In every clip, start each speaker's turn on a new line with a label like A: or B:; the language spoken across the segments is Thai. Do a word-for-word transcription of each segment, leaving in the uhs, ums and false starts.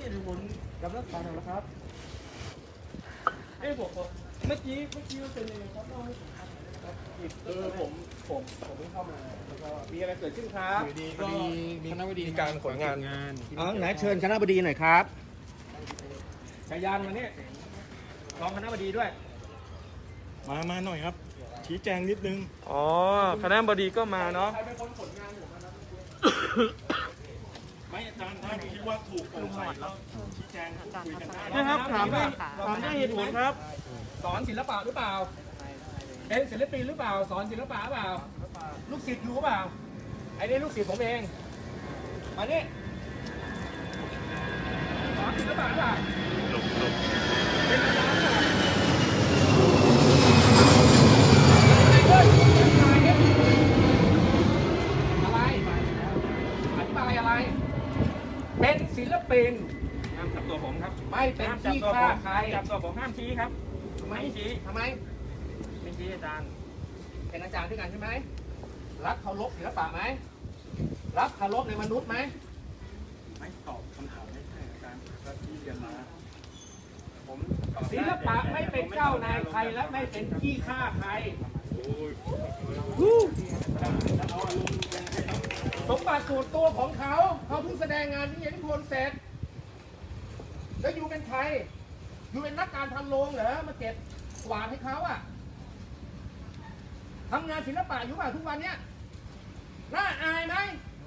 A: นี่ดูผลกับรักษาหน่อยนะครับเอ้ยผมเมื่อกี้เมื่อกี้เป็นยังไงครับเล่าให้ผมฟังหน่อยนะครับเออผมผมผมเพิ่งเข้ามาแล้วก็มีอะไรเกิดขึ้นครับ
B: อยู่ดีก็มีคณะบดี
A: มีการขนงาน
B: อ๋อไหนเชิญคณะบดีหน่อยครับ
A: ชายานมาเนี่ยรองคณะบดีด้วย
C: มามาหน่อยครับ ชี้แจงนิดนึง
A: อ๋อคณะบดีก็มาเนาะ
C: ใครเป็นคนขนงานผมมาครับไม่อาจารย์ถ้าคิดว่าถูกโปร่งใสแล้วชี้แจงคุยกันได้
A: นะครับถามด้วยถามด้วยเหตุผลครับ สอนศิลปะหรือเปล่าเป็นศิลปินหรือเปล่า สอนศิลปะหรือเปล่า ลูกศิษย์อยู่หรือเปล่าไอ้นี่ลูกศิษย์ผมเองมานี่สอนศิลปะหรือเปล่าเป็นอาจารย์หรือเปล่าอะไรอธิบายอะไร เป็นศิลปินห้ามจับตัวผมครับไม่เป็นที่ฆ่าใครจับตัวผมห้ามชี้ครับไม่ชี้ทำไมไม่ชี้อาจารย์เป็นอาจารย์ด้วยกันใช่ไหมรักเคารพศิลปะไหมรักเคารพในมนุษย์ไหม
C: ไม่ตอบคำถามไม่ใช่อาจารย์ก็ที่เรียนมาผมตอบ
A: ศิลปะไม่เป็นเจ้านายใครและไม่เป็นที่ฆ่าใครสมบัติส่วนตัวของเขาเขาเพิ่งแสดงงานที่เย็นพลเสร็จแล้วอยู่เป็นใครอยู่เป็นนักการทำโรงเหรอมาเก็บกวาดให้เขาอะทำงานศิลปะอยู่ป่ะทุกวันเนี้ยน่าอายไหม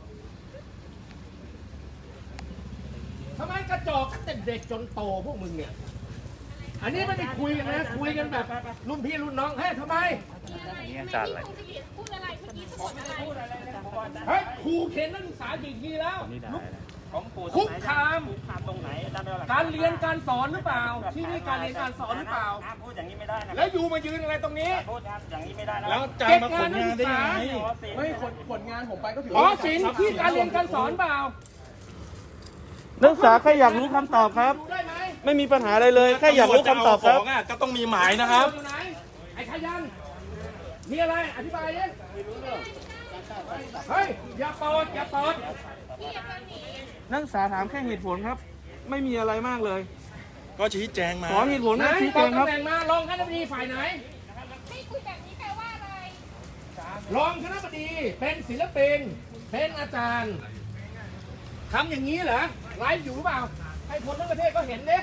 A: ทำไมกระจอกตั้งแต่เด็กจนโตพวกมึงเนี่ยอันนี้ไม่ได้คุยกันนะคุยกันแบบรุ่นพี่รุ่นน้องเฮ้ยทำไม
D: นี่อาจารย์อะไรพูดอะไรเมื่อกี้พูดอะไร
A: เฮ้ยครูเข็นนักศึกษากี่ทีแล้ว
E: ของปู่
A: คุกคาม
E: คุกคามตรงไหนอาจารย์เป็นอะไร
A: การเรียนการสอนหรือเปล่า ที่นี่การเรียนการสอนหรือเปล่า
E: ห้ามพูดอย่างนี้ไม่ได้นะ
A: แล้วอยู่มายืนอะไรตรงนี้
E: พูดครับอย่างนี้ไม่ได้นะ
C: แล้วอาจารย์มาขนงานได้ยังไง
B: ไม่ขนขนงานผมไปก็ถือ
A: อ๋อ
B: ว่า
A: ศิลป์ที่การเรียนการสอนเปล่า
F: นักศึกษาแค่อยากรู้คำตอบครับ
A: ดูได้ไหม
F: ไม่มีปัญหาอะไรเลยแค่อยากรู้คำตอบครับ
C: ของอ่ะก็ต้องมีหมายนะครับ
A: อยู่ไหนไอ้ชายันมีอะไรอธิบายดิเฮ้ยอย่าเปิดอย่าเปิด
F: นักศึกษาถามแค่เหตุผลครับ ไม่มีอะไรมากเลย
C: ก็ชี้แจงมา
F: ขอเหตุผล
A: ไหน
F: นะชี้
A: บ
F: แจ
A: อก
F: งครับ
A: ตำแหน่งมารองคณะบดีฝ่ายไหน
D: ไม่คุยแบบนี้แปลว่าอะไร
A: รองคณะบดีเป็นศิลปินเป็นอาจารย์ทำอย่างนี้เหรอไลฟ์อยู่หรือเปล่าให้คนทั้งประเทศก็เห็นเด้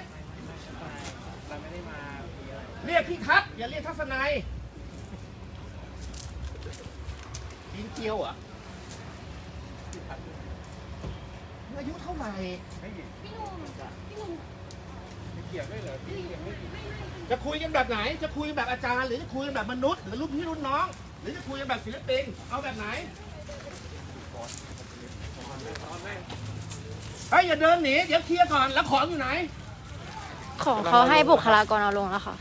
A: เรียกพี่ทัศน์อย่าเรียกทัศนัยยิงเกียวเหรอ่ะอายุเท่าไหร่
D: พี่หนุ่มพี่หนุ่ม
A: จะคุยกันแบบไหน จะคุยกันแบบอาจารย์ หรือจะคุยกันแบบมนุษย์หรือรุ่นพี่รุ่นน้อง หรือจะคุยกันแบบศิลปินเอาแบบไหนเฮ้ยอย่าเดินหนีเดี๋ยวเคลียร์ก่อนแล้วของอยู่ไหน
G: ของเขาให้บุคลากรเอาลงแล้วค่ะ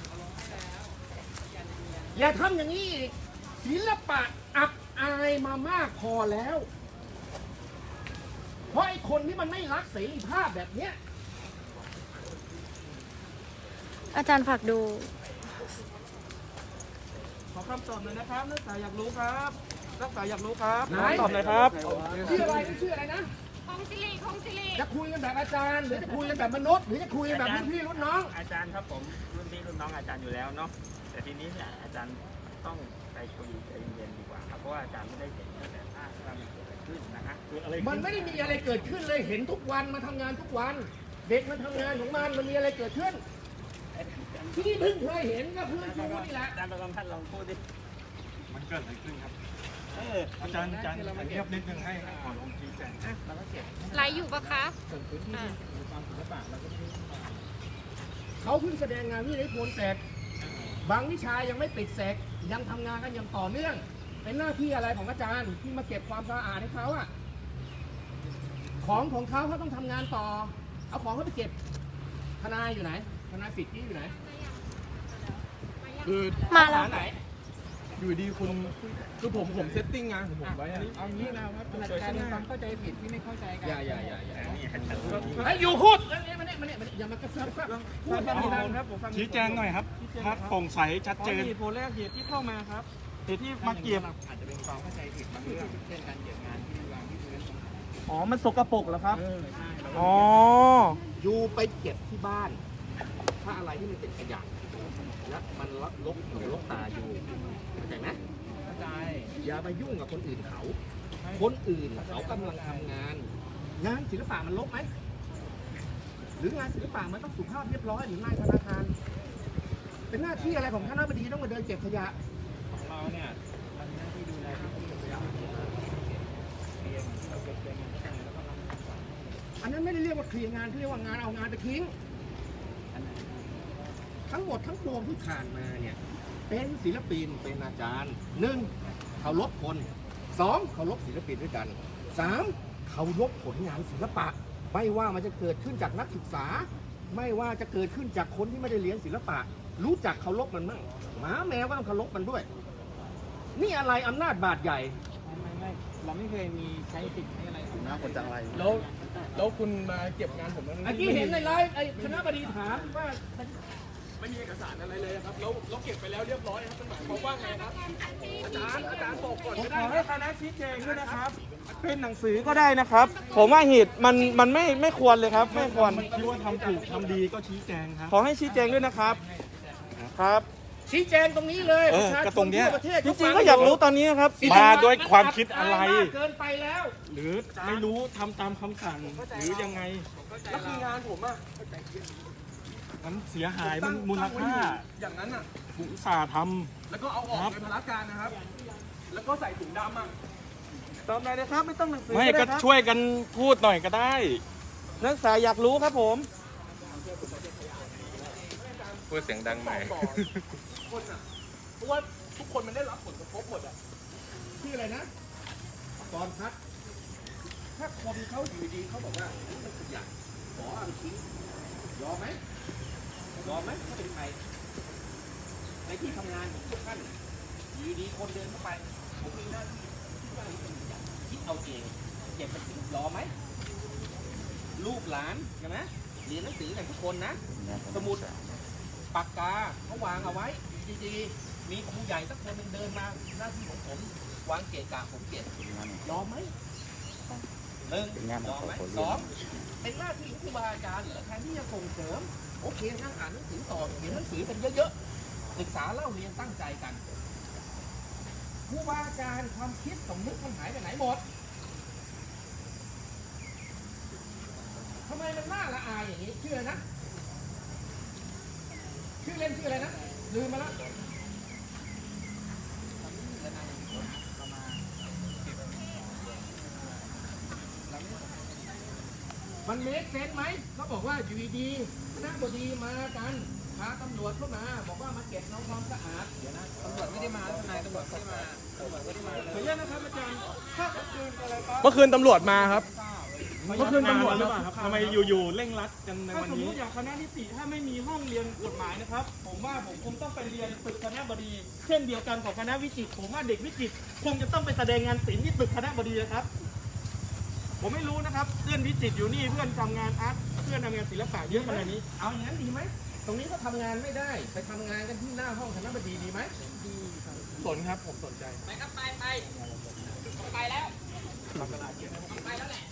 A: อย่าทำอย่างนี้อีกศิลปะอับอายมามากพอแล้ว เพราะไอ้คนที่มันไม่รักเสรีภาพแบบเนี้ย
G: อาจารย์ฝากดู
F: ขอคำตอบหน่อยนะครับนักศึกษาอยากรู้ครับนักศึกษาอยากรู้ครับ
A: ไหน
F: ขอตอบหน่อยครับ
A: ชื่ออะไรชื่ออะไรนะ
D: ของสิริของสิริ
A: จะคุยกันแบบอาจารย์ หรือจะคุยกันแบบมนุษย์ หรือจะคุยกันแบบรุ่นพี่รุ่นน้อง
E: อาจารย์ครับผมรุ่นพี่รุ่นน้องอาจารย์อยู่แล้วเนาะแต่ทีนี้เนี่ยอาจารย์ต้องไปคุยใจเย็นๆดีกว่าครับเพราะว่าอาจารย์ไม่ได้เห็นตั้งแต่ภาพที่มันเกิดขึ้นนะฮะ
A: มันไม่ได้มีอะไรเกิดขึ้นเลยเห็นทุกวันมาทำงานทุกวัน เด็กมันทำงานของมันมันมีอะไรเกิดขึ้น ที่นี่เพิ่งเคยเห็นก็เพื่อนชูนี่แหละ
E: อาจารย์ประกำท่านลองพูดดิ
C: มันเกิดอะไรขึ้นครับ
E: เออ
C: อาจารย์อาจารย์เงียบนิดนึงให้ขอลงชี้แจง
E: เราก็เก็บ
D: ไลฟ์อยู่ปะคะอ่า
A: เขาเพิ่งแสดงงานที่ได้ผลเสร็จ บางวิชายังไม่ปิดเสร็จยังทำงานกันอย่างต่อเนื่อง เป็นหน้าที่อะไรของอาจารย์ที่มาเก็บความสะอาดให้เขาอะของของเขาเขาต้องทำงานต่อ เอาของเขาไปเก็บทนายอยู่ไหนทนายสิทธิ์ที่อยู่ไหน
B: คือ
G: มาแล้ว
A: หไหน
B: อยู่ดีคุณคือผมผมเซตติ้งงานของผมไว้อะเอางี้นะครับการเป็นความเข้าใจผิดที่ไม่เข้าใจกันอย่าอย่าอย่าอย่า
A: ไอ้อยู่พูดแล้วนี่มาเนี่ยมาเนี่ยมาเนี่ยอย่ามากระเซิร์ฟพูด
F: ฟัง
A: ดี
F: เหตุผล
A: ๆ
F: ครับผมฟัง
C: ชี้แจงหน่อยครับถ้าโปร่งใสชัด
F: ขอ
C: เจน
F: เหตุผลแรกเหตุที่เข้ามาครับเหตุที่มาเก็บ
B: อาจจะเป็นความเข้าใจผิดบางเรื่องเช่นการเก็บงานที่วางที่พื้น
F: อ๋อ มันสกปรกเหรอครับ
A: เออใช่เรา
F: อ๋อ
A: อยู่ไปเก็บที่บ้าน ถ้าอะไรที่มันเป็นขยะแล้วมันลกลกหูลกตาอยู่เข้าใจไหม
B: เข้าใจ
A: อย่าไปยุ่งกับคนอื่นเขา คนอื่นเขากำลังทำงาน งานศิลปะมันลกไหม หรืองานศิลปะมันต้องสุภาพเรียบร้อยหรืองานธนาคาร เป็นหน้าที่อะไรของคณะบดีต้องมาเดินเก็บขยะ
E: ของเราเนี่ยมันมีหน้าที่ดูแลที่ขยะเรียนเราเก็บเงินแข่งแล้วก็รับ
A: อันนั้นไม่ได้เรียกว่าเคลียร์งานเขาเรียกว่างานเอางานไปทิ้ง ทั้งหมดทั้งปวงที่ผ่านมาเนี่ย เป็นศิลปินเป็นอาจารย์หนึ่งเคารพคนสองเคารพศิลปินด้วยกันสามเคารพผลงานศิลปะ ไม่ว่ามันจะเกิดขึ้นจากนักศึกษา ไม่ว่าจะเกิดขึ้นจากคนที่ไม่ได้เรียนศิลปะ รู้จักเคารพมันมั่งหมาแมวก็ต้องเคารพมันด้วย นี่อะไรอำนาจบาดใหญ่
E: ไม่ไม่เราไม่เคยมีใช้สิทธิ์ให้อะไรของน้าคนจังไร
B: แล้วแล้วคุณมาเก็บงานผมแล้ว
A: เมื่อกี้เห็นในไลฟ์ไอ้คณะบดีถามว่า
B: ไม่มีเอกสารอะไรเลยครับแล้วเราเก็บไปแล้วเรียบร้อยครับมันหมายความว่าไงครับ อาจารย์อาจารย์บอกก่อน
F: ผม
B: ก็
F: ข
B: ได้
F: อ
B: นะ
F: ให้คณะชี้แจงด้วยนะครับ เป็นหนังสือก็ได้นะครับ ผมว่าเหตุมันมันไม่ไม่ควรเลยครับ ไม่ควร
B: คิดว่าทำถูกทำดีก็ชี้แจงครับ
F: ขอให้ชี้แจงด้วยนะครับ ครับ
A: ชี้แจงตรงนี้เลย
B: เอ
A: ป
B: อ
A: ระชาช
B: ก็
A: น
B: ตรงเนี้ย
A: ทั่วประเทศ
F: จริงๆก็อยากรู้ตอนนี้นะครับ
B: มาด้วยความคิดอะไร
A: มากเกินไปแล้ว
B: หรือไม่รู้ทำตามคำสั่งหรือยังไง
F: แล้วคืองานผมอะ
B: มันเสียหายมันมูลค่า
F: อย่างนั้นอะ
B: ผมอุตส่าห์ท
F: แล้วก็เอาออกในพละการนะครับ แล้วก็ใส่ถุงดำอะตอบหน่อยนะครับ ไม่ต้องหนังสือ
B: ำไม่ก็
F: ด้ครับ
B: ช่วยกันพูดหน่อยก็ได้
F: นักศึกษาอยากรู้ครับผม
B: พูดเสียงดังหน่อย
F: คนอ่ะเพราะว่าทุกคนมันได้รับผลกระทบหมดอ่ะ
A: ชื่ออะไรนะตอนพัด ถ้าคนเขาอยู่ดีเขาบอกว่านี่มันขยะขอเอาไปทิ้งยอมไหมยอมไหมถ้าเป็นใครในที่ทำงานของพวกท่านอยู่ดีคนเดินเข้าไปผมมีหน้าที่ที่ว่านี่เป็นขยะคิดเอาเองเก็บไปทิ้งยอมไหมลูกหลานใช่ไหมเรียนหนังสือกันทุกคนนะ สมุดปากกาเขาวางเอาไว้ดีๆมีครูใหญ่สักคนหนึ่งเดินมาหน้าที่ของผมวางเกะกะผมเก็บยอมไหมหนึ่งยอมไหมสองเป็นหน้าที่ของครูบาอาจารย์เหรอแทนที่จะส่งเสริมโอเคนั่งอ่านหนังสือต่อเขียนหนังสือกันเยอะๆศึกษาเล่าเรียนตั้งใจกันครูบาอาจารย์ความคิดสมมุติมันหายไปไหนหมดทำไมมันน่าละอายอย่างนี้ชื่ออะไรนะชื่อเล่นชื่ออะไรนะลืมมาแล้วมันเมคเซนส์ไหมเขาบอกว่าอยู่ดีๆคณะบดีมากันพาตำรวจเข้ามาบอกว่ามาเก็บเอาความสะอาดเดี๋ยวนะตำรวจไม่ได้มาทนายตำรวจไม่ได้มาตำรวจไม่ได้มา
F: ขออนุญาตนะครับอาจารย์ถ้าเมื่อคืนอะไรครับ
B: เมื่อคืนตำรวจมาครับ
F: เมื่อคืนตำรวจหรือเปล่าครับ
B: ทำไมอยู่ๆเร่งรัดกันใน
F: ถ้า
B: วัน
F: สมม
B: นี้
F: ติอย่างคณะนิติถ้าไม่มีห้องเรียนกฎหมายนะครับ ผมว่าผมคงต้องไปเรียนตึกคณะบดี เช่นเดียวกันของคณะวิจิตรผมว่าเด็กวิจิตรคงจะต้องไปแสดงงานศิลป์ที่ตึกคณะบดีนะครับ ผมไม่รู้นะครับเพื่อนวิจิตรอยู่นี่เพื่อนทำงานอาร์ตเพื่อนทำงานศิลปะเยอะขนาดนี้
A: เอาอย่างนั้นดีไหมตรงนี้ก็ทำงานไม่ได้ไปทำงานกันที่หน้าห้องคณะบดีดีไหม
B: สนครับผมสนใจ
A: ไปครับไปไปไปแล้วไปแล้วแหละ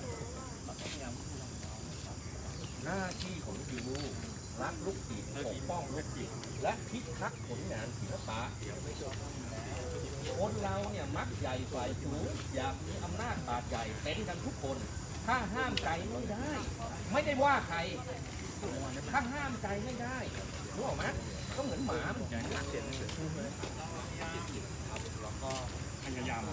A: หน้าที่ของครูรักลูกศิษย์ปกป้องลูกศิษย์และพิทักษ์ผลงานศิลปะคนเราเนี่ยมักใหญ่ฝ่ายสูงอยากมีอำนาจบาดใหญ่เป็นกันทุกคน ถ้าห้ามใจไม่ได้ ไม่ได้ว่าใคร ถ้าห้ามใจไม่ได้รู้ออกไหมก็เหมือนหมามันแข็งเสียงแล้วก็พยายาม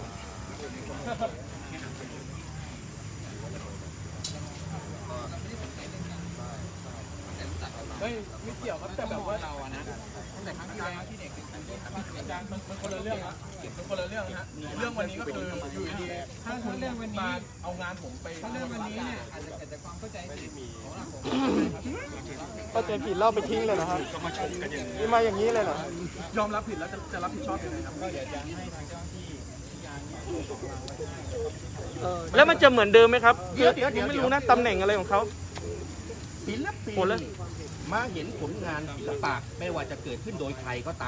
B: ไม่ไม่เกี่ยวครับแต่แบบว่าเราอะนะตั้งแต่ครั้งที่แล้วที่เด็กอาจารย์มันมันคนละเรื่องครับมันคนละเรื่องนะฮะเรื่องวันนี้ก็คืออยู่ดีๆถ้าเรื่องวันนี้เอางานผมไปถ้าเรื่องวันนี้เนี่ยอาจจะเกิดจากความเข้าใจผิดของเรา
F: เข้าใจผิดเล่าไปทิ้งเลยเหรอครับ
B: ก็มาชมกันอย่างนี้
F: นี่มาอย่างนี้เลยเหรอ
B: ยอมรับผิดแล้วจะจะรับผิดชอบยังไงครับก็เดี๋ยวจะให้ทางเจ้าที่
F: แล้วมันจะเหมือนเดิมไหมครับ
A: เดี๋ยวเดี๋ยวเดี๋ยว
F: ไม่รู้นะตำแหน่งอะไรของเขา
A: ศิลปิน
F: ผลละ
A: มาเห็นผลงานศิลปะไม่ว่าจะเกิดขึ้นโดยใครก็ตาม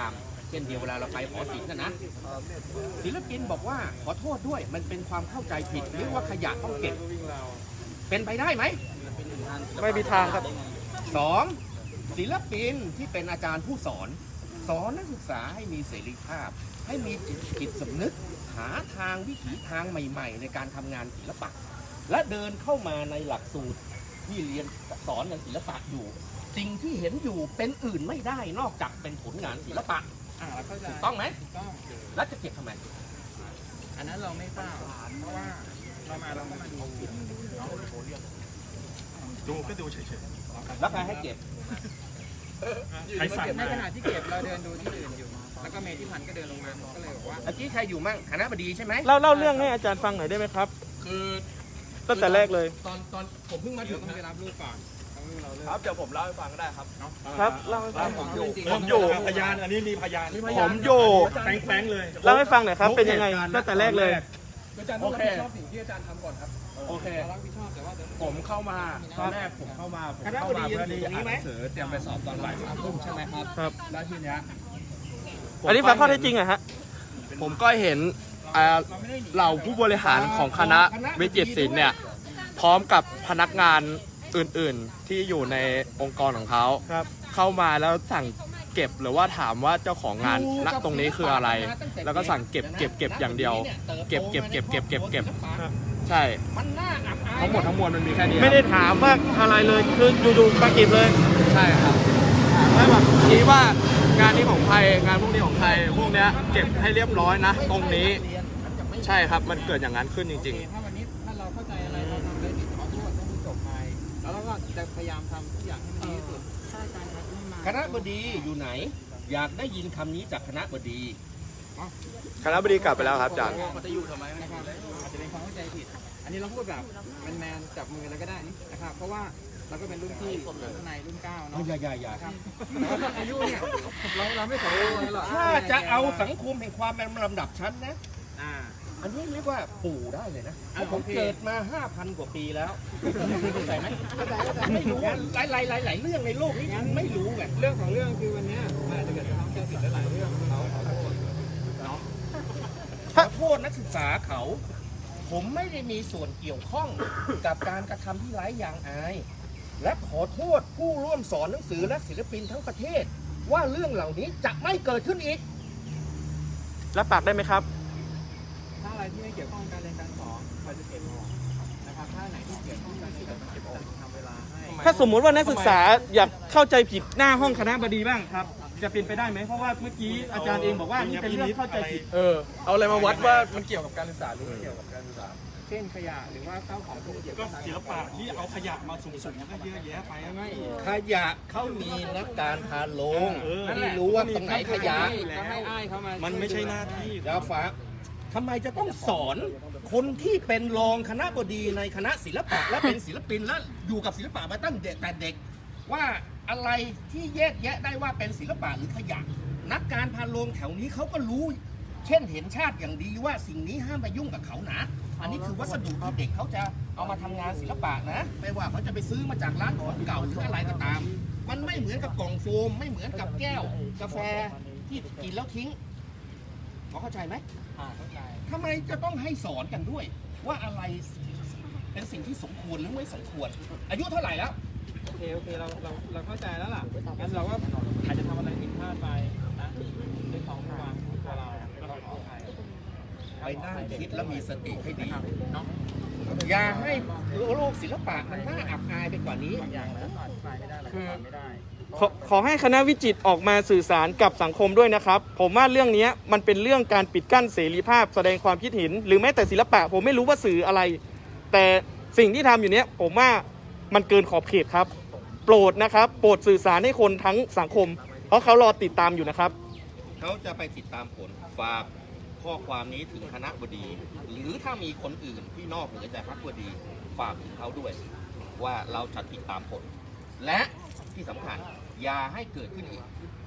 A: เช่นเดียวเวลาเราไปหอศิลป์นะนะศิลปินบอกว่าขอโทษด้วยมันเป็นความเข้าใจผิดหรือว่าขยะต้องเก็บเป็นไปได้ไหม
F: ไม่มีทางครับ
A: สองศิลปินที่เป็นอาจารย์ผู้สอน สอนนักศึกษาให้มีเสรีภาพ ให้มีจิตจิตสำนึก หาทางวิถีทางใหม่ ๆ ในการทำงานศิลปะ และเดินเข้ามาในหลักสูตรที่เรียนสอนงานศิลปะอยู่ สิ่งที่เห็นอยู่เป็นอื่นไม่ได้นอกจากเป็นผลงานศิลปะ
B: อ่าเราเข้าใจ
A: ถูกต้องไหม
B: ถูกต้อง
A: แล้วจะเก็บทำไม
B: อันนั้นเราไม่ทราบเพราะว่าเรามาเราก็มาดูเนาะ
C: ดูก็ดูเฉย
A: แล้วใครให้เก็บ
C: ๆใครสั่ง
B: ใน
C: มา
B: ขณะที่เก็บเราเดินดูที่อื่นอยู่ แล้วก็เมธิพันธ์ก็เดินลงมาก็เลยบอกว่า
A: เมื่อกี้ใครอยู่มั่งคณะบดีใช่ไหม
F: เล่าเล่าเรื่องให้อาจารย์ฟังหน่อยได้ไหมครับ
B: คือ
F: ตั้งแต่แรกเลย
B: ตอนตอนผมเพิ่งมาถึงต้องไปรับลูกก่อนต้องเราเริ่ม
C: ครับเดี๋ยวผมเล่าให้ฟังก็ได้ครับ
F: ครับเล่าให้ฟัง
B: ผมอยู่
F: ผมอยู่
C: พยานอันนี้มีพยาน
F: ผมอยู่
C: แฝงๆเลย
F: เล่าให้ฟังหน่อยครับ เป็นยังไงตั้งแต่แรกเลย
B: อาจารย์ต้องรับผิดชอบสิ่งที่อาจารย์ทำก่อนครับ
C: โอเค
B: เรารับผิดชอบแต่ว่าเดี๋ยว
C: ผมเข้ามาตอนแรกผมเข้ามาผมเข้ามาเพื่อที่จะอ่านหนังสือเตรียมไปสอบตอนบ่ายสามทุ่มใช่ไหมครับ
F: ครับ
C: แล้วทีเนี้ย
F: อันนี้ฟังข้อเท็จจริงอะฮะ
H: ผมก็เห็นอ่าเหล่าผู้บริหารของคณะวิจิตรศิลป์เนี่ยพร้อมกับพนักงานอื่นๆที่อยู่ในองค์กรของเขา
F: ครับ
H: เข้ามาแล้วสั่งเก็บหรือว่าถามว่าเจ้าของงานณตรงนี้คืออะไร แล้วก็สั่งเก็บเก็บเก็บอย่างเดียว เก็บเก็บเก็บเก็บเก็บเก็บใช่
A: มันน่าอับอาย
H: ทั้งหมดทั้งมวลมันมีแค่นี้
F: ไม่ได้ถามว่าอะไรเลย คืออยู่ๆมาเก็บเลย
H: ใช่ครับแล้วแบบชี้ว่างานนี้ของใครงานพวกนี้ของใครพวกเนี้ยเก็บให้เรียบร้อยนะ ตรงนี้ใช่ครับมันเกิดอย่างนั้นขึ้นจริง ๆ
B: ถ้าวันนี้ถ้าเราเข้าใจอะไรเราทำได้ผิดขอโทษต้องจบไป แล้วเราก็จะพยายามทำทุกอย่างให้มันดีที่สุดถ้าอาจารย์ครับไม่มา
A: คณะบดีอยู่ไหน อยากได้ยินคำนี้จากคณะบดี
H: คณะบดีกลับไปแล้วครับอาจารย์
B: เขาจะอยู่ทำไมนะครับอาจจะเป็นความเข้าใจผิด อันนี้เราพูดแบบแมนๆจับมือแล้วก็ได้นะครับ เพราะว่าเราก็เป็นรุ่นพี่รุ่นในรุ่นเก้าเนาะ
A: อย่าอย่าอย่า
B: ครับอายุเนี่ยเราเราไม่ขอเลยหรอก
A: ถ้าจะเอาสังคมแห่งความเป็นลำดับชั้นนะ
B: อ่า
A: อันนี้เรียกว่าปู่ได้เลยนะเพ
B: อ่ะ
A: ราะผม
B: โอเค
A: เกิดมา ห้าพัน กว่าปีแล้วเข้าใจไหมไม่รู้หลายหลายหลายหลายเรื่องในโลกนี้คุณไม่รู้ไง
B: เรื่องของเรื่องคือวันเนี้ยมันอาจจะเกิดความเข้าใจผิดหลายๆเรื่องเราขอโทษ
A: ขอโทษนักศึกษาเขา ผมไม่ได้มีส่วนเกี่ยวข้องกับการกระทำที่ไร้ยางอาย และขอโทษผู้ร่วมสอนหนังสือและศิลปินทั้งประเทศ ว่าเรื่องเหล่านี้จะไม่เกิดขึ้นอีก
F: รับปากได้ไหมครับ
B: ถ้าอะไรที่ไม่เกี่ยวข้องกับการเรียนการสอนเราจะเก็บออกนะครับถ้าไหนที่เกี่ยวข้องกับการเรียนการสอนเราจะทำเวลาให้
F: ถ้าสมมุติว่านักศึกษาอยากเข้าใจผิดหน้าห้องคณะบดีบ้างครับ จะเป็นไปได้ไหมเพราะว่าเมื่อกี้อาจารย์เองบอกว่านี่เป็นเรื่องเข้าใจผิด
H: เออเอาอะไรมาวัดว่ามันเกี่ยวกับการศึกษาหรือไม่เกี่ยวกับการศึกษา
B: เช่นขยะหรือว่าข้าวของพวกเกี่ยว
C: ก็
B: กับ
C: ศิลปะที่เอาขยะมาสุ่มๆก็เยอะแยะไป
B: ไม่
A: ขยะเขามีนักการพาลง
C: เออ
A: ที่รู้ว่าตรงไหนขยะ
B: ก็ให้อ้ายเขามา
C: มั
B: มัน
C: ไม่ใช่หน้าที่
A: ดาวฟ้าทำไมจะต้องสอนคนที่เป็นรองคณะบดีในคณะศิลปะ และเป็นศิลปินและอยู่กับศิลปะมาตั้งเด็กแต่เด็ก ว่าอะไรที่แยกแยะได้ว่าเป็นศิลปะหรือขยะ นักการพาลงแถวนี้เขาก็รู้ เช่นเห็นชาติอย่างดีว่าสิ่งนี้ห้ามไปยุ่งกับเขานะ อันนี้คือวัสดุที่เด็กเขาจะเอามาทำงานศิลปะนะ ไม่ว่าเขาจะไปซื้อมาจากร้านของเก่าหรืออะไรก็ตาม มันไม่เหมือนกับกล่องโฟม ไม่เหมือนกับแก้ว กาแฟที่กินแล้วทิ้งพอเข้าใจไหม
B: อ่าเข้าใจ
A: ทำไมจะต้องให้สอนกันด้วย ว่าอะไรเป็นสิ่งที่สมควรหรือไม่สมควร อายุเท่าไหร่แล้ว
B: โอเคโอเคเราเราเราเข้าใจแล้วล่ะงั้นเราก็อาจจะทำอะไรผิดพลาดไปนะด้วยของวางของตัวเราแล้วก็ขออภัย
A: ไปนั่งคิดแล้วมีสติให้ดี
B: เนาะ
A: อย่าให้โลกศิลปะมันน่าอับอายไปกว่านี้
B: อย่างแล้วอธิบายไม่ได้คือไม่ได้
F: ขอขอให้คณะวิจิตรออกมาสื่อสารกับสังคมด้วยนะครับ ผมว่าเรื่องนี้มันเป็นเรื่องการปิดกั้นเสรีภาพแสดงความคิดเห็น หรือแม้แต่ศิลปะ ผมไม่รู้ว่าสื่ออะไร แต่สิ่งที่ทำอยู่เนี้ยผมว่ามันเกินขอบเขตครับ โปรดนะครับ โปรดสื่อสารให้คนทั้งสังคม เพราะเขารอติดตามอยู่นะครับ
A: เขาจะไปติดตามผลฝากข้อความนี้ถึงคณะบดี หรือถ้ามีคนอื่นที่นอกเหนือจากคณะบดีฝากถึงเขาด้วย ว่าเราจะติดตามผล และที่สำคัญอย่าให้เกิดขึ้นอีก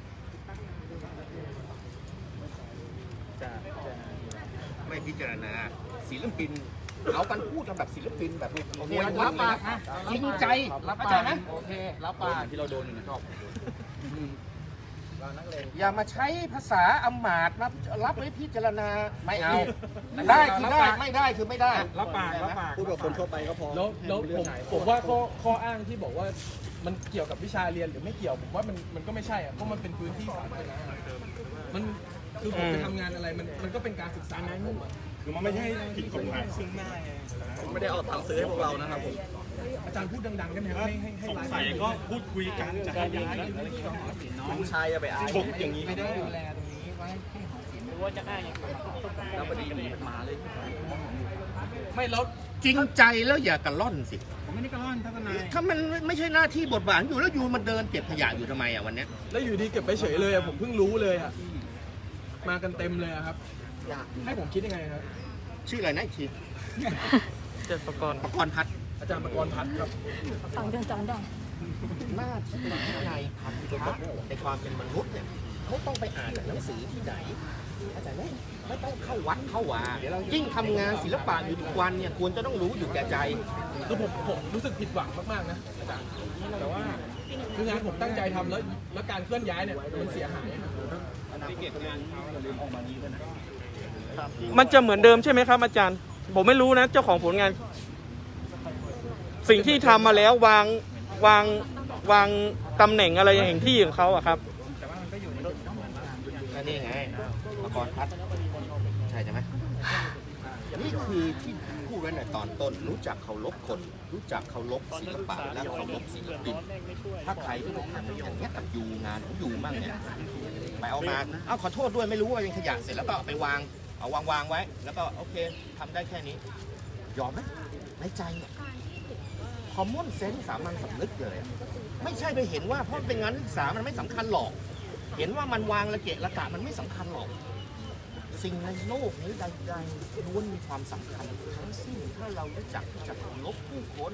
A: ไม่พิจารณาศิลปินเอากันพูดกันแบบศิลปินแบบโอ้โหวัดเลยนะจริงใจเข้าใจไหม
B: โอเค รับปาก
C: ที่เราโดนอยู่นะชอบ
A: รอย่ามาใช้ภาษาอำมาตย์รับรับไว้พิจารณาไม่เอา ได้คือได้ไม่ได้คือไม่ได้
F: รับปากรับปาก
C: พูดกับคนทั่วไปก็พอ
B: แล้วแล้วผมผมว่าข้อข้ออ้างที่บอกว่ามันเกี่ยวกับวิชาเรียนหรือไม่เกี่ยวผมว่ามันมันก็ไม่ใช่อะเพราะมันเป็นพื้นที่สาธารณะมันคือผมไปทำงานอะไรมันมันก็เป็นการศึกษาในมุมอะ
C: คือมันไม่ใช่ผิดกฎหมายซึ่งหน้าไงไม่ได้เอาตังค์ซื้อให้พวกเรานะครับผม
B: อาจารย์พูดดังๆได้ไหมครับให้ให้ให้
C: สง
B: ไลฟ์
C: สัยก็พูดคุยกันจะให้ย้ายน้องชายจะไปอายชกอย่างนี้ไม่ได้ดูแลตรงนี้ไว้ให้หอศิลป์หรือว่าจะอ้างอย่างแล้วพอดีมันมาเลย
B: ไม่แล้ว
A: จริงใจแล้วอย่ากระล่อนสิ
C: ผมไม่ได้กระล่อนทัศนาย
A: ถ้ามันไม่ใช่หน้าที่บทบาทอยู่แล้วอยู่มันเดินเก็บขยะอยู่ทำไมอ่ะวันเนี้ย
B: แล้วอยู่ดีเก็บไปเฉยเลยอะผมเพิ่งรู้เลยอะมากันเต็มเลยอะครับให้ผมคิดยังไงครับ
A: ชื่ออะไรนะอีกที
H: เจ็ดประกรณ์
A: ประกรณ์พัฒน์
B: อาจารย์ประกรณ์พัฒน์ครับ
G: ฟังเดินจอนดอง
A: หน้าที่ในพันธะในความเป็นมนุษย์เนี่ยเขาต้องไปอ่านหนังสือที่ไหนเข้าใจไหมไม่ต้องเข้าวัดเข้าวายิ่งทำงานศิลปะอยู่ทุกวันเนี่ยควรจะต้องรู้อยู่แก่ใจ
B: คือผมผมรู้สึกผิดหวังมากๆนะอาจารย์แต่ว่าคืองานผมตั้งใจทำแล้วแล้วการเคลื่อนย้ายเนี่ยมันเสียหาย
F: มันจะเหมือนเดิมใช่ไหมครับอาจารย์ ผมไม่รู้นะเจ้าของผลงาน สิ่งที่ทำมาแล้ววางวางวางตำแหน่งอะไรอย่างที่ของเขาอะครับ
A: ก็นี่ไงประกรณ์พัฒน์ใช่ใช่ไหมนี่คือที่พูดไว้ในตอนต้นรู้จักเคารพคน รู้จักเคารพศิลปะและเคารพศิลปินถ้าใครที่ไปทำอย่างนี้ยกับยูงานของยูมั่งเนี่ยไปเอามาเอาขอโทษด้วยไม่รู้ว่าเป็นขยะเสร็จแล้วก็เอาไปวางเอาวางวางไว้ แล้วก็โอเคทำได้แค่นี้ยอมไหมในใจเนี่ยคอมมอนเซนส์สามัญสำนึกเลยอะไม่ใช่ไปเห็นว่าเพราะเป็นงานศึกษามันไม่สำคัญหรอก เห็นว่ามันวางระเกะระกะมันไม่สำคัญหรอก สิ่งในโลกนี้ใดๆล้วนมีความสำคัญทั้งสิ้นถ้าเรารู้จักที่จะเคารพผู้คน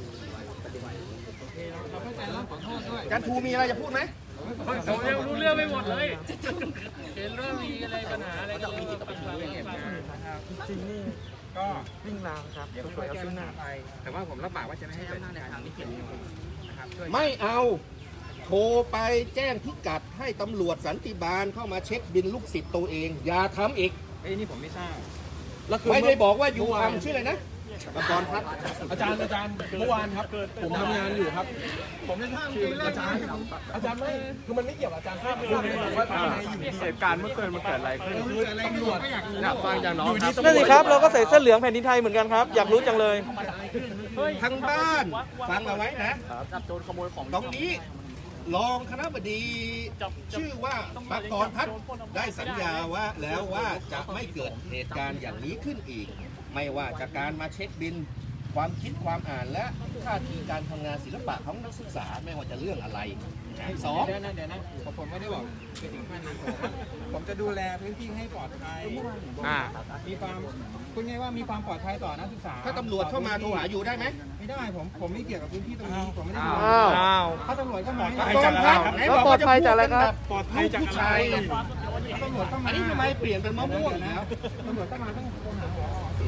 A: อาจารย์ภูมีอะไรจะพูดไหม
F: ผมยังรู้เรื่องไม่หมดเลยเห็นเรื่องมีอะไรปัญหาอะไรกันเลย
H: จริงนี่ก็วิ่งราวครับเดี๋ยวช่วยเอาขึ้นหน้าไป
C: แต่ว่าผมรับปากว่าจะไม่ให้เกิดในทางที่เกี่ยวนะครับช่วย
A: ไม่เอาโทรไปแจ้งพิกัดให้ตำรวจสันติบาลเข้ามาเช็คบินลูกศิษย์ตัวเอง อย่าทำอีก
C: เอ้ยนี่ผมไม่ทราบ
B: แล้วคือ
A: ไม่ได้บอกว่ายูทำชื่ออะไรนะประกรณ์พัฒน์
B: อาจารย์อาจารย์เมื่อวานครับ ผมทำงานอยู่ครับ ผมจะทำคืออาจารย์อาจารย์ไม่คือมันไม่เกี่ยวกับอาจารย์ภาพคือว่าทำไมอยู่ดี
H: เหตุการณ์เมื่อคืนมันเกิดอะไรขึ้น
B: คือตำรวจ
H: อยากฟังจากน้องครับ
F: นั่นสิครับเราก็ใส่เสื้อเหลืองแผ่นดินไทยเหมือนกันครับ อยากรู้จังเลย
A: ทั้งบ้านฟังเอาไว้นะตรงนี้รองคณบดีชื่อว่าประกรณ์พัฒน์ได้สัญญาว่าแล้วว่าจะไม่เกิดเหตุการณ์อย่างนี้ขึ้นอีก ไม่ว่าจากการมาเช็คบินความคิดความอ่านและท่าทีการทำงานศิลปะของนักศึกษาไม่ว่าจะเรื่องอะไรสอง
C: เดี๋ยวนะเดี๋ยวนะผมไม่ได้บอกไปถึงขั้นนั้นผมผมจะดูแลพื้นที่ให้ปลอดภัย
H: อ่า
C: มีความคุณไงว่ามีความปลอดภัยต่อนักศึกษา
A: ถ้าตำรวจเข้ามาโทรหาอยู่ได้ไหม
C: ไม่ได้ผมผมไม่เกี่ยวกับพื้นที่ตรงนี้ผมไม่ได้
H: อ้าว
F: อ้าว
C: ถ้าตำรวจเข้ามา
A: ประกรณ์พัฒน์ไหนบอกว่าจะพูดกันแบบ
C: ปลอดภัยจาก
A: ผู้
C: อะไร
A: ชาย
C: ตำรวจเข้ามา
A: อันนี้ทำไมเปลี่ยนเป็นมะม่วงแล้ว
C: ตำรวจเข้ามาต้องโทรหาหมอ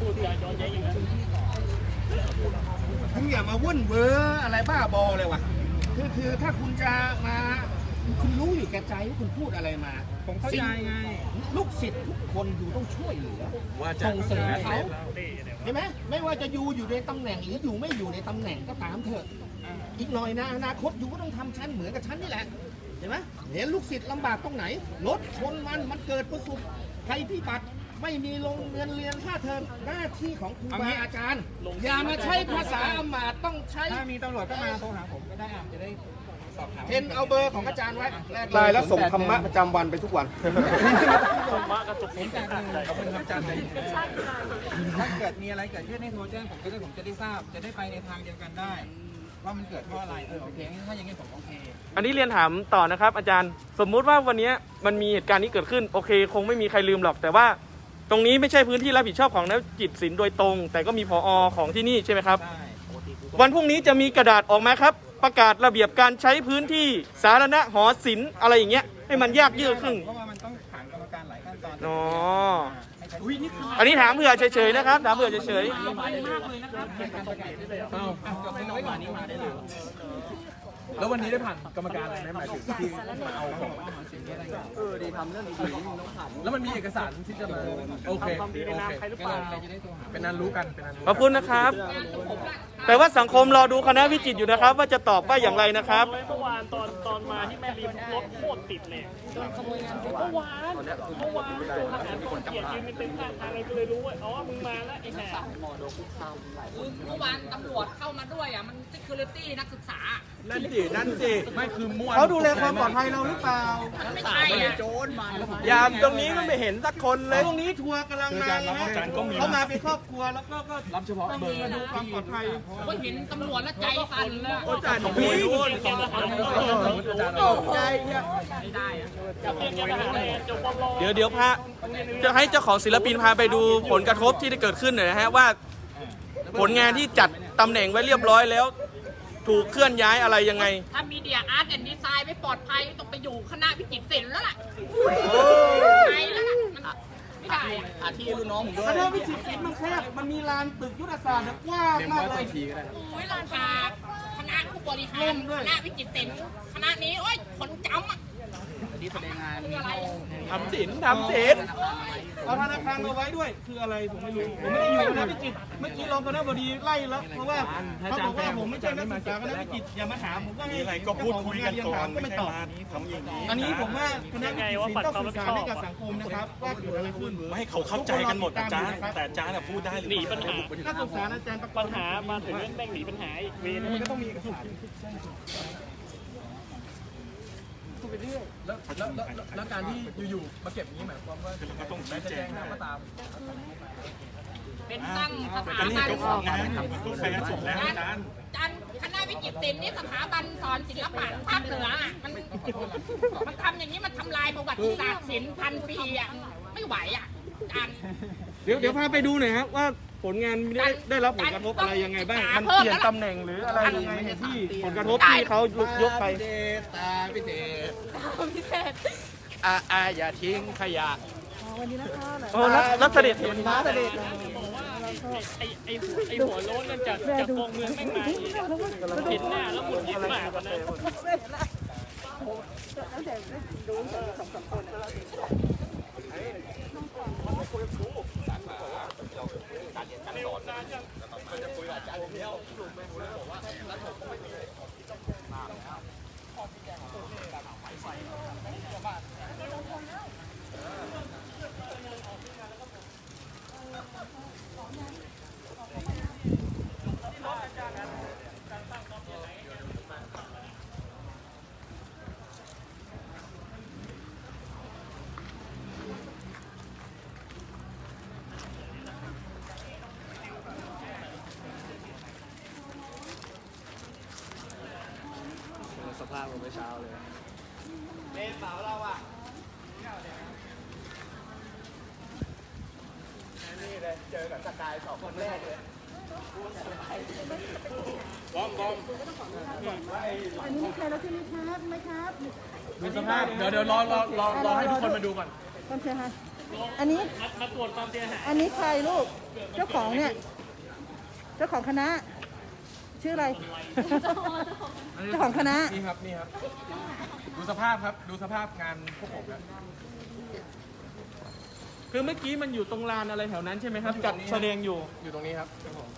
A: คุณอย่ามาวุ่นเวอร์อะไรบ้าบอเลยวะคือคือถ้าคุณจะมาคุณรู้อยู่แก่ใจว่าคุณพูดอะไรมา
C: ผมเข้าใจไง
A: ลูกศิษย์ทุกคนอยู่ต้องช่วยเหลือส่งเสริมเขาเห็นไหมไม่ว่าจะอยู่อยู่ในตำแหน่งหรืออยู่ไม่อยู่ในตำแหน่งก็ตามเถอะอีกหน่อยนะอนาคตอยู่ก็ต้องทำชั้นเหมือนกับชั้นนี่แหละเห็นไหมเห็นลูกศิษย์ลำบากตรงไหนรถชนมันมันเกิดประสบภัยพิบัติไม่มีลงเงินเรียนค่าเทอมหน้าที่ของครูบาอาจารย์อย่ามาใช้ภาษาอำมาตย์ต้องใช้
C: ถ้ามีตำรวจเข้ามาโทรหาผมก็ได้อ่ะจะได้สอบถาม
A: เห็นเอาเบอร์ของอาจารย์ไว้ไลน์แล้วส่งธรรมะประจำวันไปทุกวัน
C: ผมจากหนึ่งขอบคุณครับอาจารย์ถ้าเกิดมีอะไรเกิดขึ้นให้โทรแจ้งผมก็ได้ผมจะได้ทราบจะได้ไปในทางเดียวกันได้ ว่ามันเกิดเพราะอะไรเออโอเคถ้าอย่างนี้ผมโอเค
F: อันนี้เรียนถามต่อนะครับ อาจารย์สมมุติว่าวันนี้มันมีเหตุการณ์นี้เกิดขึ้นโอเค คงไม่มีใครลืมหรอก แต่ว่าตรงนี้ไม่ใช่พื้นที่รับผิดชอบของนักจิตศิลป์โดยตรง แต่ก็มีผอ.ของที่นี่ใช่ไหมครับ
C: ได้
F: วันพรุ่งนี้จะมีกระดาษออกมาครับ ประกาศระเบียบการใช้พื้นที่สาธารณะหอศิลป์อะไรอย่างเงี้ยให้มันยากยืดขึ้น
C: เพราะว่ามันต้องผ่านกรรมการหลายขั้นตอน
F: อ๋อ
C: ให้ใช้อุ้ยนี่คือ
F: อันนี้ถามเผื่อเฉยๆนะครับถามเผื่อเฉย
C: เป็นการประกาศได้เลยเอ้าจบเป็นน้อยกว่านี้มาได้เลย
B: แล้ววันนี้ได้ผ่านกรรมการอะไรไหมหมายถึงที่มาเอาของ
C: เออดีทำเรื่องดีๆนี่มันต้องผ่าน
B: แล้วมันมีเอกสารที่จะมาโอเคโอเคเป็นนั้นรู้กันเป็นนั้นรู้
H: ขอบคุณนะครับ แต่ว่าสังคมรอดูคณะวิจิตรอยู่นะครับ ว่าจะตอบว่าอย่างไรนะครับ
F: เมื่อวานตอนตอนมาที่แม่ริมรถโคตรติดเลยโดนขโมยงานเมื่อวานเมื่อวานโดนทหารคนเกลียดยืนเป็นเต็มข้างทางเลยก็เลยรู้ว่าอ๋อมึงมาแล้วไอ้แหน
I: คือเมื่อวานตำรวจเข้ามาด้วยอ่ะ มัน security นักศึกษา
B: นั่นสินั่นสิไม่คือมั่ว
C: เขาดูแลความปลอดภัยเราหรือเปล่า
I: มันไม่ใช่อ่ะ
H: ยามตรงนี้ก็ไม่เห็นสักคนเลย
C: ตรงนี้ทัวร์กำลังมาไงเขามาเป็นครอบครัวแล้วก็ก็
B: รับเฉพาะเบอร์
C: มาดูความปลอดภัย
I: ผมก็เห็นตำรวจแล้วใจสั่นเลยอะ
B: อาจารย์ของพี่อาจารย์เนี่ย
I: ไม่ได้อ่ะ
H: เดี๋ยวเดี๋ยวพาจะให้เจ้าของศิลปินพาไปดูผลกระทบที่ได้เกิดขึ้นหน่อยนะฮะว่า ผลงานที่จัดตำแหน่งไว้เรียบร้อยแล้ว ถูกเคลื่อนย้ายอะไรยังไง
I: ถ้ามีเดียอาร์ตแอนด์ดีไซน์ไม่ปลอดภัยต้องไปอยู่คณะวิจิตรศิลป์แล้วล่ะไปแล้วล่ะมันไม่ได้อะ
C: อาที่รุ่นน้องผมด้วย
F: คณะวิจิตรศิลป์มันแคบมันมีลานตึกยุทธศาสตร์กว้างมากเลย
I: โอ้ยลานชาคณะผู้บริหารคณะวิจิตรศิลป์คณะนี้โอ้ยคนจำอ่ะ
C: อันนี้แสดงงาน
I: คืออะไร
H: ทำศิลป์ทำศิลป์
F: เอาธนาคารมาไว้ด้วยคืออะไรผมไม่รู้ผมไม่ได้อยู่คณะวิจิตรเมื่อกี้รองคณะบดีไล่แล้วเพราะว่าเขาบอกว่าผมไม่ใช่นักศึกษาคณะวิจิตรอย่ามาถามผมว่ามีอะไรก็พูดคุยกันก่อนไม่ตอบอันนี้ผมว่าคณะวิจิตรศิลป์ต้องสื่อสารให้กับสังคมนะครับว่าเกิดอะไรขึ้น
J: ไม่ให้เขาเข้าใจกันหมดอาจารย์แต่อาจารย์พูดได้หรือ
F: หนี
J: เป
F: ปัญ
J: ล่า
F: หานักศึกษาอาจารย์ปัญหามาถึงเรื่องแบ่งหนีปัญหาอีกเวรมันก็ต้องมีเอกสาร
B: แล้วแล้วแล้วแล้วการที่อยู่ๆมาเก็บอย่างนี้หมายความว่า
J: คือเราก็ต้องชี้
B: จะ
J: แจ
B: แจ้
J: ง
B: ง
J: นะ
B: ก็ตาม
I: เป็นตั้งสถา
J: ก็นี่
I: บัน
J: เจ้าของงานก็แฟร์สุดแล้วอาจารย์
I: จันคณะวิจิตรศิลป์นี่สถาบันสอนศิลปะภาคเหนืออะมันมันทำอย่างนี้มันทำลายประวัติศาสตร์ศิลป์พันปีอ่ะไม่ไหวอ่ะจัน
F: เดี๋ยวเดี๋ยวพาไปดูหน่อยครับว่าผลงานได้ได้รับผลกระทบอะไรยังไงบ้างมันเปลี่ยนตำแหน่งหรืออะไรยังไงที่ผลกระทบที่เขายกไป
C: ตาพิเศษ
H: อาอาอย่าทิ้งขยะ
G: วันนี้นะคะ
H: โอ้รับรับเสด็จเห็น
G: มาเสด็จ
F: ไอ้ไอ้ไอ้หัวโล้นนั่นจากจากกองเมืองแม่งมาอีกเห็นหน้าแล้วหมุนยิ้มมากกว่านั้น
H: สภาพผมไม่เช้าเลย
G: อันนี้มีใครแล้วใช่ไหมครับไหมครับ
B: ดูสภาพเดี๋ยวเดี๋ยวรอรอรอรอให้ทุกคนมาดูก่อน
G: ความเสียหายอันนี้
F: มาตรวจความเสียหาย
G: อันนี้ใครลูก เจ้าของเนี่ย เจ้าของคณะ ชื่ออะไร เจ้าของคณะ
B: นี่ครับนี่ครับ ดูสภาพครับดูสภาพงานพวกผมครับ
F: คือเมื่อกี้มันอยู่ตรงลานอะไรแถวนั้นใช่ไหมครับจัดแสดงอยู่
B: อยู่ตรงนี้ครับ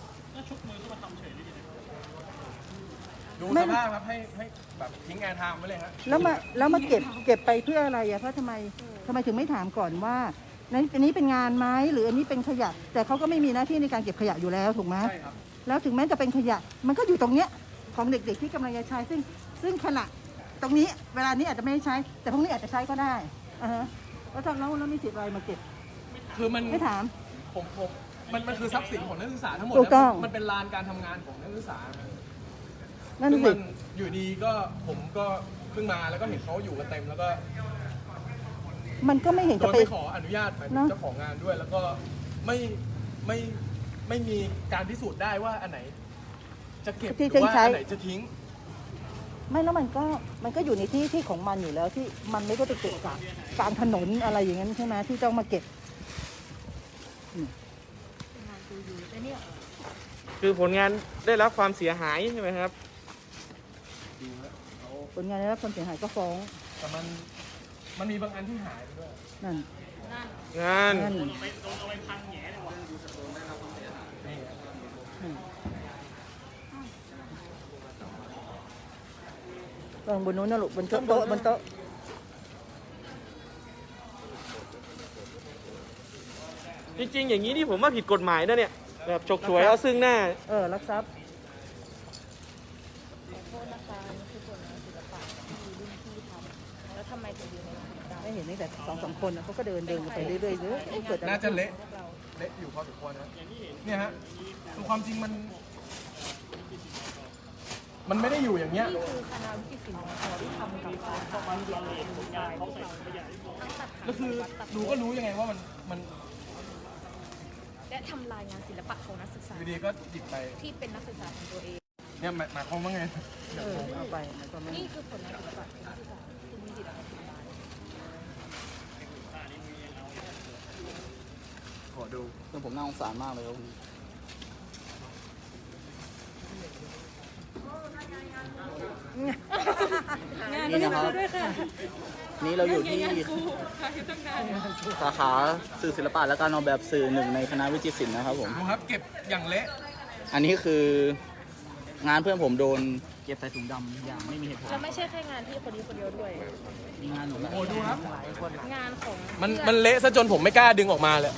B: ดูสภาพครับให้ให้แบบทิ้งงานทำไว้เลยครับ
G: แล้วมาแล้วมาเก็บเก็บไปเพื่ออะไรอะเพราะทำไมทำไมถึงไม่ถามก่อนว่านั้นอันนี้เป็นงานไหมหรืออันนี้เป็นขยะ แต่เขาก็ไม่มีหน้าที่ในการเก็บขยะอยู่แล้วถูกไหม
B: ใช่ครับ
G: แล้วถึงแม้จะเป็นขยะ มันก็อยู่ตรงเนี้ยของเด็กๆที่กำลังจะใช้ซึ่งซึ่งขณะตรงนี้เวลานี้อาจจะไม่ได้ใช้ แต่พรุ่งนี้อาจจะใช้ก็ได้อ่าฮะแล้วทำแล้วแล้วมีสิทธิ์อะไรมาเก็บ
B: คือมัน
G: ไม่ถาม
B: ผมผมมันมันคือทรัพย์สินของนักศึกษาทั้งหมด
G: ถูกต้อง
B: นะมันเป็นลานการทำงานของนักศึกษา
G: นั่น
B: ซึ่ง
G: สิ
B: มันอยู่ดีก็ผมก็เพิ่งมาแล้วก็เห็นเขาอยู่กันเต็มแล้วก็
G: มันก็ไม่เห็น
B: โด
G: จะ
B: ย
G: ไป
B: ไม่ขออนุญาตหมายถึ
G: เน
B: ง
G: อะ
B: เจ้าของงานด้วย แล้วก็ไม่ไม่ไม่มีการพิสูจน์ได้ว่าอันไหน จะเก็บห
G: ที่
B: รือว่า
G: ใช้
B: อันไหนจะทิ้ง
G: ไม่แล้วมันก็มันก็อยู่ในที่ที่ของมันอยู่แล้วที่มันไม่ได้ไปเก็บกลางกลางถนนอะไรอย่างนั้นใช่ไหมที่ต้องมาเก็บ
H: คือผลงานได้รับความเสียหายใช่ไหมครับ
B: ด
G: ผลงานได้รับความเสียหายก็ฟ้อง
B: แต่มันมันมีบางอันที่หายไปด้วย
G: นั่น
H: งาน
G: นั่น ลองบนนู้นนะลูกบนโต๊ะโต๊ะบนโต๊ะ
H: จริงๆอย่างนี้นี่ผมว่าผิดกฎหมายนะเนี่ยแบบฉกฉวยเอาซึ่งหน้า
G: เออรักทรัพย์
D: แล้วทำไมถึงอยู่ในเรา
G: ไม่เห็นตั้งแต่สองสามคนน่ะเขาก็เดินเดินกันไปเรื่อยๆเรื่อยเกิดอะไร
B: น่าจะเละเละอยู่พอสมควรนะเนี่ยฮะคือความจริงมัน มันไม่ได้อยู่อย่างเงี้ย
D: นี่คือคณะวิจิตรศิลป์มอที่ทำกับการทำวิจิตรศิลป์ของเราทั้งตัด
B: แล้วคือดูก็รู้ยังไงว่ามันมัน
D: และทำลายงานศิลปะของนักศึกษา
B: อยู่ดีก็หยิบไป
D: ที่เป็นนักศึกษาของตัวเอง
B: เนี่ยหมายหมายความว่าไง
G: เออเอาไปมันก็ไม่
D: นี่คือผลงานศิลปะของนักศึกษาที่มีจิตวิทยา
B: ขอดู
C: คือผมน่าสงสารมากเลยครับ นี่นะครับนี่เราอยู่ที่สาขาสื่อศิลปะและการออกแบบสื่อหนึ่งในคณะวิจิตรศิลป์นะครับผม
B: ดูครับเก็บอย่างเละ
C: อันนี้คืองานเพื่อนผมโดนเก็บใส่ถุงดำอย่างไม่มีเหตุผล
D: แล้วไม่ใช่แค่งานที่คนนี้คนเดียวด้วย
C: มีงานหนู
B: โอ้ดูครับ
D: งานของ
B: มันมันเละซะจนผมไม่กล้าดึงออกมาเลย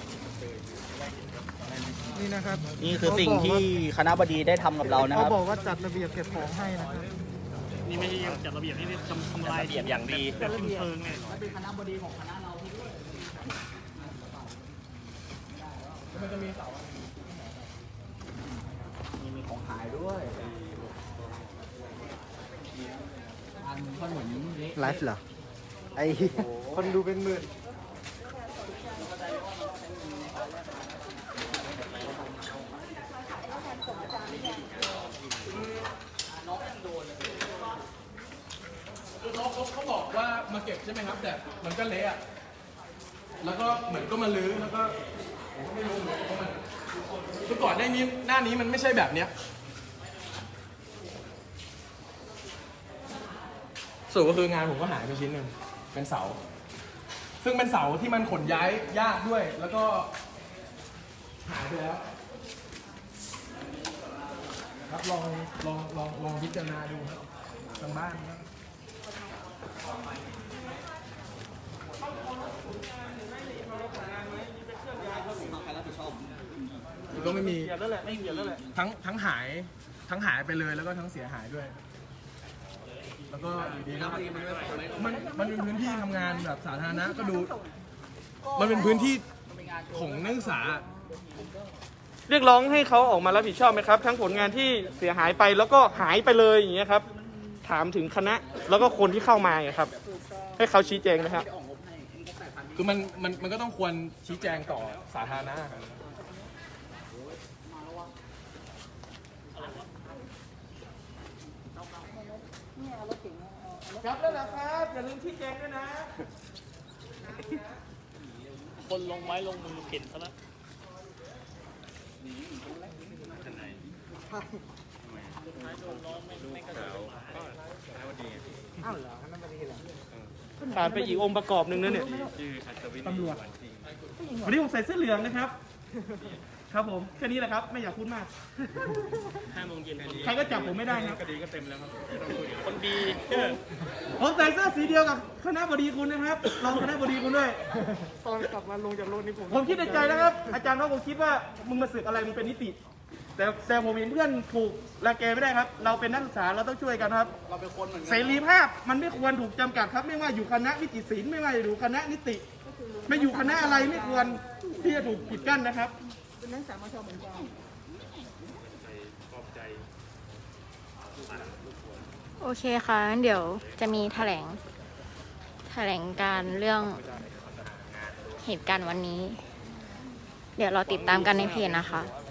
F: นี่นะครับ
C: นี่คือสิ่งที่คณะบดีได้ทำกับเรานะค
F: เขา
C: รับ
F: บอกว่าจัดระเบียบเก็บของให้นะครับ
E: นี่ไม่ใช่จัดระเบียบนี่ทำทำลายระเบียบอย่างดี
F: แบบเป็นเพลิงเนี่ย
C: เป็นคณะบดีของคณะเรา
B: มันจะมีเสา
C: มีมีของหายด้วยอันขนมเล็ก
F: ไลฟ์เหรอ ไอคนดูเป็นหมื่น
B: คือเขาเขาเขาบอกว่ามาเก็บใช่ไหมครับ แต่มันก็เละอะแล้วก็เหมือนก็มาลื้อแล้วก็ผมก็ไม่รู้เหมือนกันว่ามันคือก่อนหน้านี้หน้านี้มันไม่ใช่แบบเนี้ยส่วนก็คืองานผมก็หายไปชิ้นหนึ่งเป็นเสา ซึ่งเป็นเสาที่มันขนย้ายยากด้วย แล้วก็หายไปแล้วครับลองลองลองลองพิจารณาดูครับทางบ้านครับก็ไม่มี
H: เกี่ยวแล้วแหละไม่เกี่ยวแล้วแหละ
B: ทั้งทั้งหายทั้งหายไปเลยแล้วก็ทั้งเสียหายด้วย แล้วก็อยู่ดีก็มันมันเป็นพื้นที่ทำงานแบบสาธารณะก็ดู มันเป็นพื้นที่ของนักศึกษา
H: เรียกร้องให้เขาออกมารับผิดชอบไหมครับ ทั้งผลงานที่เสียหายไปแล้วก็หายไปเลยอย่างเงี้ยครับ ถามถึงคณะแล้วก็คนที่เข้ามาอย่างเงี้ยครับ ให้เขาชี้แจงนะครับ
B: คือมันมันมันก็ต้องควรชี้แจงต่อสาธารณะครับ
H: ครับแล้วนะครับอย่าลืมชี้แจงด้วยนะ
E: คนลงไม้ลงมือเข็นซะแล้ว
H: ขาดไปอีกองค์ประกอบหนึ่งนะเนี่ย
B: ตำรวจ
H: วันนี้ผมใส่เสื้อเหลืองนะครับ ครับผมแค่นี้แหละครับ ไม่อยากพูดมาก
E: ห้าโมงเย็น
H: ใครก็จับผมไม่ได้ครับ
E: คดีก็เต็มแล้วครับ คนดี
H: ผมใส่เสื้อสีเดียวกับคณะบดีคุณนะครับรองคณะบดีคุณด้วย
F: ตอนกลับมาลงจากรถนี่ผม
H: ผมคิดในใจนะครับ อาจารย์เขาคงคิดว่ามึงมาสึกอะไรมึงเป็นนิติ แต่แต่ผมเห็นเพื่อนถูกรังแกไม่ได้ครับ เราเป็นนักศึกษาเราต้องช่วยกันครับ
C: เราเป็นคนเหมือนกัน
H: เสรีภาพมันไม่ควรถูกจำกัดครับ ไม่ว่าอยู่คณะวิจิตรศิลป์ไม่ว่าอยู่คณะนิติ ไม่อยู่คณะอะไรไม่ควรที่จะถูกปิดกั้นนะครับ
G: เป็นนักศึกษามชเหมือนกัน
K: โอเคค่ะงั้นเดี๋ยวจะมีแถลง แถลงการเรื่องเหตุการณ์วันนี้ เดี๋ยวเราติดตามกันในเพจนะคะ